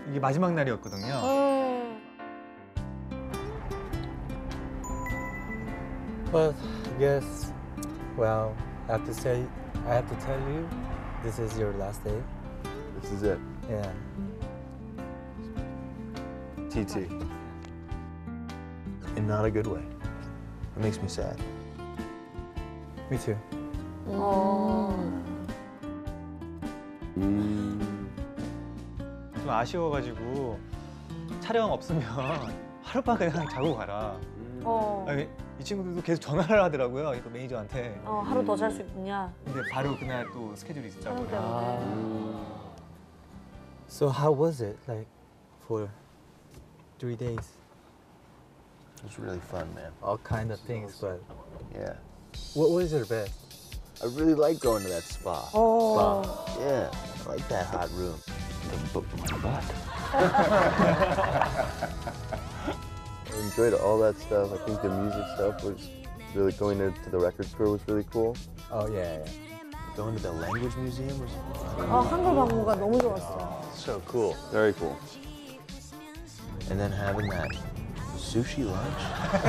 이게 마지막 날이었거든요. But I guess, well, I have to tell you, this is your last day. This is it. Yeah. TT. In not a good way. It makes me sad. Me too. 좀 아쉬워가지고 촬영 없으면 하룻밤 그냥 자고 가라. 아니, 이 친구들도 계속 전화를 하더라고요. 그 매니저한테. 하루 더 잘 수 있냐? 근데 바로 그날 또 스케줄이 있었다고. 촬영 때문에. So how was it, like, for 3 days? It was really fun, man. All kind of things, but Yeah. what was your best? I really like going to that spa. Yeah, I like that hot room. But what? I enjoyed all that stuff. I think the music stuff was really going to the record store was really cool. Oh yeah, yeah. Going to the language museum was 한글 박물가 너무 좋았어. so cool. Very cool. And then having that sushi lunch.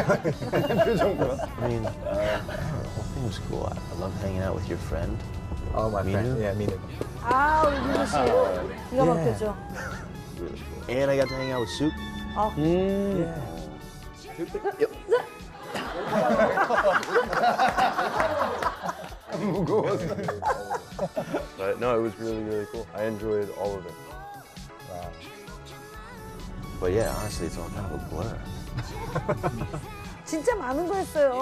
I mean, the whole thing was cool. I love hanging out with your friend. Oh, my friend. Minu? Yeah, Minu. 우리 민우 씨. 기가 막혔죠. Really cool. And I got to hang out with Soup. Yeah. But no, it was really, really cool. I enjoyed all of it. Wow. But yeah, honestly, it's all kind of a blur. 진짜 많은 거 했어요.